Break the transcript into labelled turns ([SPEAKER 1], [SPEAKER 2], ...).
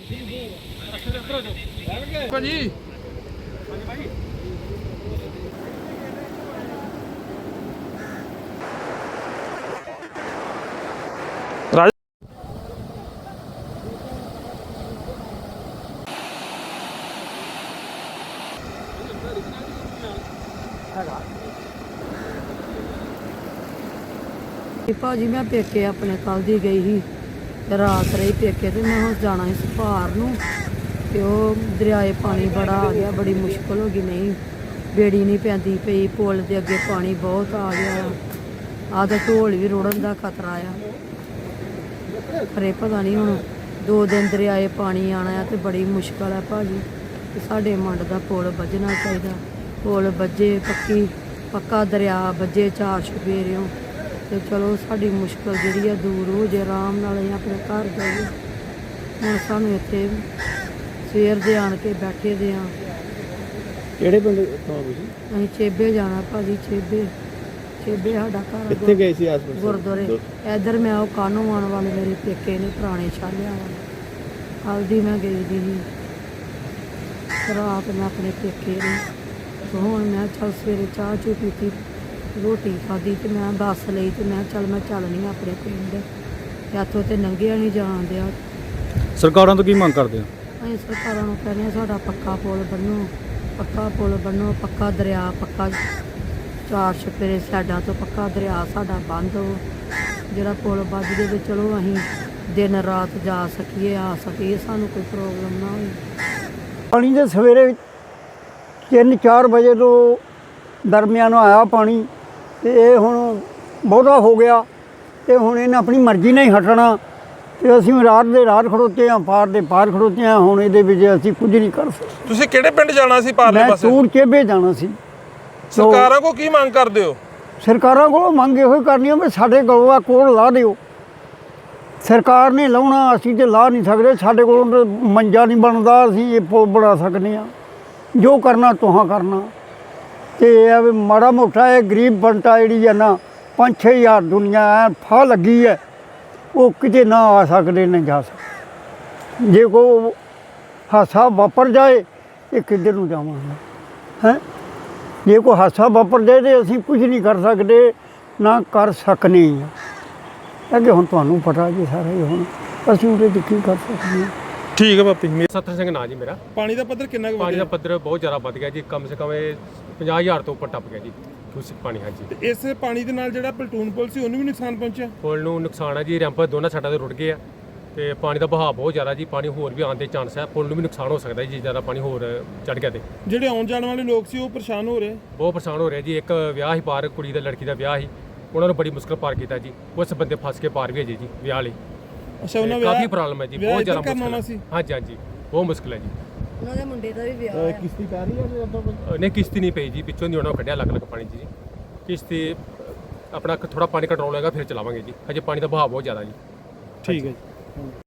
[SPEAKER 1] ਭਾਜੀ
[SPEAKER 2] ਭਾਜੀ ਮੈਂ ਪੇਕੇ ਆਪਣੇ ਕੱਲ ਦੀ ਗਈ ਸੀ ਤੇ ਰਾਤ ਰਹੀ ਪੇਕੇ ਤੇ ਮੈਂ ਹੁਣ ਜਾਣਾ ਸੀ ਸੁਭਾਰ ਨੂੰ ਤੇ ਉਹ ਦਰਿਆਏ ਪਾਣੀ ਬੜਾ ਆ ਗਿਆ, ਬੜੀ ਮੁਸ਼ਕਲ ਹੋ ਗਈ। ਨਹੀਂ ਬੇੜੀ ਨਹੀਂ ਪੈਂਦੀ ਪਈ, ਪੁਲ ਦੇ ਅੱਗੇ ਪਾਣੀ ਬਹੁਤ ਆ ਗਿਆ, ਆਹ ਤਾਂ ਢੋਲ ਵੀ ਰੁੜਨ ਦਾ ਖਤਰਾ ਆ। ਪਰ ਇਹ ਪਤਾ ਨਹੀਂ ਹੁਣ 2 ਦਿਨ ਦਰਿਆਏ ਪਾਣੀ ਆਣਾ ਆ ਤੇ ਬੜੀ ਮੁਸ਼ਕਲ ਆ ਭਾਜੀ। ਤੇ ਸਾਡੇ ਮੰਡ ਦਾ ਪੁਲ ਵੱਜਣਾ ਚਾਹੀਦਾ, ਪੁਲ ਵੱਜੇ ਪੱਕਾ ਦਰਿਆ ਵੱਜੇ 4 ਚੁਫੇਰਿਓਂ ਤੇ ਚਲੋ ਸਾਡੀ ਮੁਸ਼ਕਲ ਜਿਹੜੀ ਆ ਦੂਰ ਹੋ ਜੇ, ਆਰਾਮ ਨਾਲ ਅਸੀਂ ਆਪਣੇ ਘਰ ਜਾਈਏ। ਹੁਣ ਸਾਨੂੰ ਇੱਥੇ ਸਵੇਰ ਦੇ ਆਣ ਕੇ ਬੈਠੇ ਦੇ ਆ।
[SPEAKER 1] ਕਿਹੜੇ ਪਿੰਡ ਤੋਂ ਤੁਸੀਂ?
[SPEAKER 2] ਅਸੀਂ ਚੇਬੇ ਜਾਣਾ ਭਾਜੀ, ਚੇਬੇ ਸਾਡਾ ਘਰ।
[SPEAKER 1] ਕਿੱਥੇ ਗਏ ਸੀ ਆਸ-ਪਾਸ?
[SPEAKER 2] ਗੁਰਦੁਆਰੇ ਇੱਧਰ ਮੈਂ ਉਹ ਕਾਨੂੰ ਆਉਣ ਵਾਲੇ ਮੇਰੇ ਪੇਕੇ ਨੇ ਪੁਰਾਣੇ ਛਾਲਿਆਂ ਵਾਲੇ, ਹਲਦੀ ਮੈਂ ਗਈ ਦੀ ਸੀ ਰਾਤ ਮੈਂ ਆਪਣੇ ਪੇਕੇ ਨੇ। ਹੁਣ ਮੈਂ ਚੱਲ ਸਵੇਰੇ ਚਾਹ ਚੂ ਪੀਤੀ, ਰੋਟੀ ਖਾਧੀ ਤੇ ਮੈਂ ਬੱਸ ਲਈ ਤੇ ਮੈਂ ਚੱਲਣੀ ਆਪਣੇ ਪਿੰਡ। ਇੱਥੋਂ ਤੇ ਲੰਘਿਆ ਨਹੀਂ ਜਾਣ ਦਿਆ।
[SPEAKER 1] ਸਰਕਾਰਾਂ ਤੋਂ ਕੀ ਮੰਗ ਕਰਦੇ ਹੋ?
[SPEAKER 2] ਅਸੀਂ ਸਰਕਾਰਾਂ ਨੂੰ ਕਹਿੰਦੇ ਹਾਂ ਸਾਡਾ ਪੱਕਾ ਪੁਲ ਬਣੋ, ਪੱਕਾ ਦਰਿਆ, ਪੱਕਾ 4 ਚੁਫੇਰੇ ਸਾਈਡਾਂ ਤੋਂ ਪੱਕਾ ਦਰਿਆ ਸਾਡਾ ਬੰਦ ਹੋ। ਜਿਹੜਾ ਪੁਲ ਵੱਜ ਜੇ ਤੇ ਚਲੋ ਅਸੀਂ ਦਿਨ ਰਾਤ ਜਾ ਸਕੀਏ, ਆ ਸਕੀਏ, ਸਾਨੂੰ ਕੋਈ ਪ੍ਰੋਬਲਮ ਨਾ ਹੋਵੇ।
[SPEAKER 3] ਪਾਣੀ ਦੇ ਸਵੇਰੇ 3-4 ਵਜੇ ਤੋਂ ਦਰਮਿਆਨ ਆਇਆ ਪਾਣੀ ਤੇ ਇਹ ਹੁਣ ਬਹੁਤਾ ਹੋ ਗਿਆ ਤੇ ਹੁਣ ਇਹਨੇ ਆਪਣੀ ਮਰਜ਼ੀ ਨਾਲ ਹੀ ਹਟਣਾ ਤੇ ਅਸੀਂ ਰਾਤ ਦੇ ਰਾਤ ਖੜੋਤੇ ਹਾਂ, ਪਾਰ ਦੇ ਪਾਰ ਖੜੋਤੇ ਹਾਂ। ਹੁਣ ਇਹਦੇ ਵਿੱਚ ਅਸੀਂ ਕੁਝ ਨਹੀਂ ਕਰ ਸਕਦੇ।
[SPEAKER 4] ਤੁਸੀਂ ਕਿਹੜੇ ਪਿੰਡ ਜਾਣਾ ਸੀ ਪਾਰਲੇ ਪਾਸੇ?
[SPEAKER 3] ਮੈਂ ਤੂਰ ਚੇਬੇ ਜਾਣਾ ਸੀ।
[SPEAKER 4] ਸਰਕਾਰਾਂ ਕੋ ਕੀ ਮੰਗ ਕਰਦੇ ਹੋ?
[SPEAKER 3] ਸਰਕਾਰਾਂ ਕੋਲੋਂ ਮੰਗ ਇਹੋ ਹੀ ਕਰਨੀ ਆ ਵੀ ਸਾਡੇ ਕੋਲੋਂ ਕੋਲ ਲਾ ਦਿਓ। ਸਰਕਾਰ ਨੇ ਲਾਉਣਾ, ਅਸੀਂ ਤੇ ਲਾ ਨਹੀਂ ਸਕਦੇ। ਸਾਡੇ ਕੋਲੋਂ ਮੰਜਾ ਨਹੀਂ ਬਣਦਾ, ਅਸੀਂ ਇਹ ਪੁਲ ਬਣਾ ਸਕਦੇ ਹਾਂ। ਜੋ ਕਰਨਾ ਤੁਹਾਂ ਕਰਨਾ। ਤੇ ਇਹ ਵੀ ਮਾੜਾ ਮੋਟਾ ਇਹ ਗਰੀਬ ਬੰਟਾ ਜਿਹੜੀ ਹੈ ਨਾ 5-6 ਹਜ਼ਾਰ ਦੁਨੀਆ ਐ ਫਾਹ ਲੱਗੀ ਹੈ, ਉਹ ਕਿਤੇ ਨਾ ਆ ਸਕਦੇ ਨਾ ਜਾ ਸਕਦੇ। ਜੇ ਕੋਈ ਹਾਦਸਾ ਵਾਪਰ ਜਾਏ ਇਹ ਕਿੱਧਰ ਨੂੰ ਜਾਵਾਂਗੇ ਹੈਂ? ਜੇ ਕੋਈ ਹਾਦਸਾ ਵਾਪਰ ਜਾਏ ਤਾਂ ਅਸੀਂ ਕੁਝ ਨਹੀਂ ਕਰ ਸਕਦੇ, ਨਾ ਕਰ ਸਕਨੇ ਹਾਂ। ਅੱਗੇ ਹੁਣ ਤੁਹਾਨੂੰ ਪਤਾ ਜੀ ਸਾਰਾ ਹੀ, ਹੁਣ ਅਸੀਂ ਉਹਦੇ 'ਚ ਕੀ ਕਰ ਸਕਦੇ ਹਾਂ।
[SPEAKER 4] ਠੀਕ ਹੈ ਪਾਪੀ।
[SPEAKER 5] ਸਤਰ ਸਿੰਘ ਨਾਂ ਜੀ ਮੇਰਾ।
[SPEAKER 4] ਪਾਣੀ ਦਾ ਪੱਧਰ ਕਿੰਨਾ ਕੁ
[SPEAKER 5] ਪਾਣੀ ਦਾ
[SPEAKER 4] ਵਧਿਆ?
[SPEAKER 5] ਪੱਧਰ ਬਹੁਤ ਜ਼ਿਆਦਾ ਵੱਧ ਗਿਆ ਜੀ, ਕਮ ਸੇ ਕਮ ਇਹ 50,000 ਤੋਂ ਉੱਪਰ ਟੱਪ ਗਿਆ ਜੀ ਕਿਊਸਿਕ ਪਾਣੀ। ਹਾਂਜੀ,
[SPEAKER 4] ਤੇ ਇਸ ਪਾਣੀ ਦੇ ਨਾਲ ਜਿਹੜਾ ਪਲਟੂਨ ਪੁਲ ਸੀ ਉਹਨੂੰ ਵੀ ਨੁਕਸਾਨ ਪਹੁੰਚਿਆ?
[SPEAKER 5] ਪੁਲ ਨੂੰ ਨੁਕਸਾਨ ਹੈ ਜੀ, ਰੈਂਪ ਦੋਨਾਂ ਸਾਈਡਾਂ ਤੇ ਰੁੜ ਗਏ ਆ ਤੇ ਪਾਣੀ ਦਾ ਵਹਾਅ ਬਹੁਤ ਜ਼ਿਆਦਾ ਜੀ, ਪਾਣੀ ਹੋਰ ਵੀ ਆਉਣ ਦੇ ਚਾਂਸ ਹੈ। ਪੁਲ ਨੂੰ ਵੀ ਨੁਕਸਾਨ ਹੋ ਸਕਦਾ ਜੀ ਜੇ ਜ਼ਿਆਦਾ ਪਾਣੀ ਹੋਰ ਚੜ ਗਿਆ ਤੇ।
[SPEAKER 4] ਜਿਹੜੇ ਆਉਣ ਜਾਣ ਵਾਲੇ ਲੋਕ ਸੀ ਉਹ ਪਰੇਸ਼ਾਨ ਹੋ ਰਹੇ?
[SPEAKER 5] ਬਹੁਤ ਪਰੇਸ਼ਾਨ ਹੋ ਰਿਹਾ ਜੀ। ਇੱਕ ਵਿਆਹ ਹੀ ਪਾਰ, ਕੁੜੀ ਦਾ ਲੜਕੀ ਦਾ ਵਿਆਹ ਹੀ, ਉਹਨਾਂ ਨੂੰ ਬੜੀ ਮੁਸ਼ਕਲ ਪਾਰ ਕੀਤਾ ਜੀ। ਉਸ ਬੰਦੇ ਫਸ ਕੇ ਪਾਰ ਵੀ ਹੈ ਜੀ ਵਿਆਹ ਲਈ।
[SPEAKER 4] ਅੱਛਾ, ਉਹਨਾਂ
[SPEAKER 5] ਕਾਫੀ ਪ੍ਰੋਬਲਮ ਹੈ ਜੀ, ਬਹੁਤ ਜ਼ਿਆਦਾ ਮੁਸ਼ਕਲ
[SPEAKER 4] ਸੀ।
[SPEAKER 5] ਹਾਂਜੀ, ਬਹੁਤ ਮੁਸ਼ਕਲ ਹੈ ਜੀ।
[SPEAKER 2] ਉਹਨਾਂ ਦੇ ਮੁੰਡੇ ਦਾ ਵੀ ਵਿਆਹ ਹੈ।
[SPEAKER 4] ਕਿਸ਼ਤੀ ਪੈ ਰਹੀ ਹੈ?
[SPEAKER 5] ਨਹੀਂ, ਕਿਸ਼ਤੀ ਨਹੀਂ ਪਈ ਜੀ, ਪਿੱਛੋਂ ਦੀ ਉਹਨਾਂ ਕੱਢਿਆ ਲੱਗ ਪਾਣੀ 'ਚ ਜੀ। ਕਿਸ਼ਤੀ ਆਪਣਾ ਥੋੜਾ ਪਾਣੀ ਕੰਟਰੋਲ ਹੋਏਗਾ ਫਿਰ ਚਲਾਵਾਂਗੇ ਜੀ, ਹਜੇ ਪਾਣੀ ਦਾ ਵਹਾਅ ਬਹੁਤ ਜ਼ਿਆਦਾ ਜੀ।
[SPEAKER 4] ਠੀਕ ਹੈ ਜੀ।